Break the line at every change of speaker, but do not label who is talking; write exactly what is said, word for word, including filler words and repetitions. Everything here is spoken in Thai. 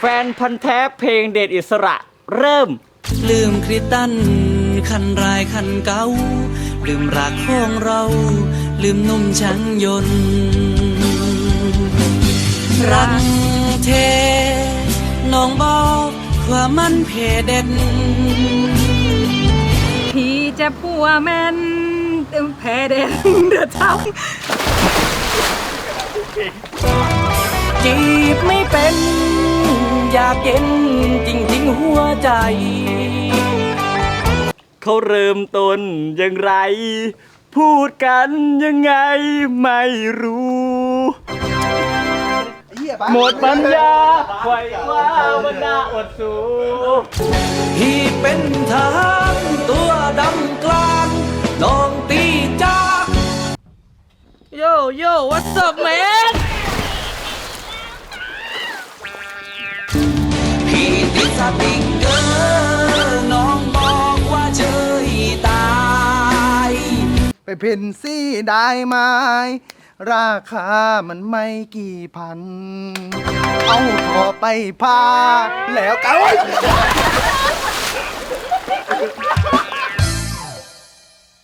แฟนพันธ์แท้เพลงเดชอิสระเริ่ม
ลืมคริสตันคันรายคันเก่าลืมรักของเรา ลืมนุ่มช่างยนต์รักเทน้องบอกว่ามันเพเด็ด
พี่จะพัวแม่นแพ้เด็ดเดือดท้
จีบไม่เป็นอยากเย็นจริงๆหัวใจ
เขาเริ่มต้นอย่างไร พูดกันยังไงไม่รู้หมดปัญญาไขว่คว้าวันดาอดสู
พี่เป็นทหารตัวดำกลางน้องตีจาก
โยโย่ what's up man
พี่ติดสติกเกอร์น้องบอกว่าเฉยตาย
ไปเพ่นซี่ได้ไหมราคามันไม่กี่พัน เอาพอไปพาแล้วกัน